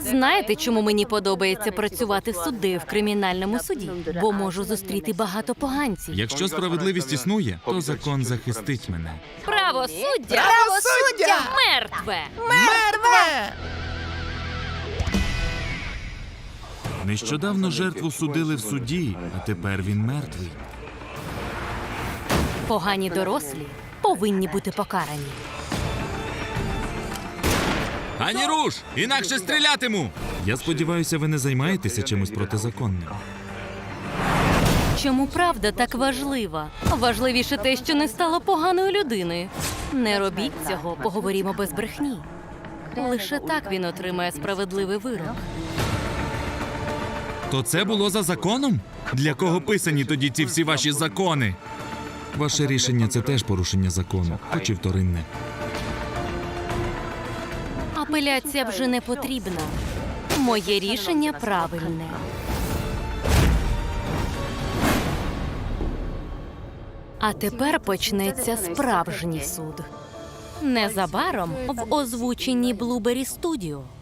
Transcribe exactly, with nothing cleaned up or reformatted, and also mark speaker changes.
Speaker 1: Знаєте, чому мені подобається працювати суддею в кримінальному суді? Бо можу зустріти багато поганців.
Speaker 2: Якщо справедливість існує, то закон захистить мене.
Speaker 1: Правосуддя
Speaker 3: Правосуддя!
Speaker 1: мертве!
Speaker 3: Мертве!
Speaker 2: Нещодавно жертву судили в суді, а тепер він мертвий.
Speaker 1: Погані дорослі повинні бути покарані.
Speaker 2: Ані руш! Інакше стрілятиму! Я сподіваюся, ви не займаєтеся чимось протизаконним.
Speaker 1: Чому правда так важлива? Важливіше те, що не стало поганою людиною. Не робіть цього, поговоримо без брехні. Лише так він отримає справедливий вирок.
Speaker 2: То це було за законом? Для кого писані тоді ці всі ваші закони? Ваше рішення – це теж порушення закону, хоч і вторинне.
Speaker 1: Апеляція вже не потрібна. Моє рішення правильне. А тепер почнеться справжній суд. Незабаром в озвученні Блубері Студіо.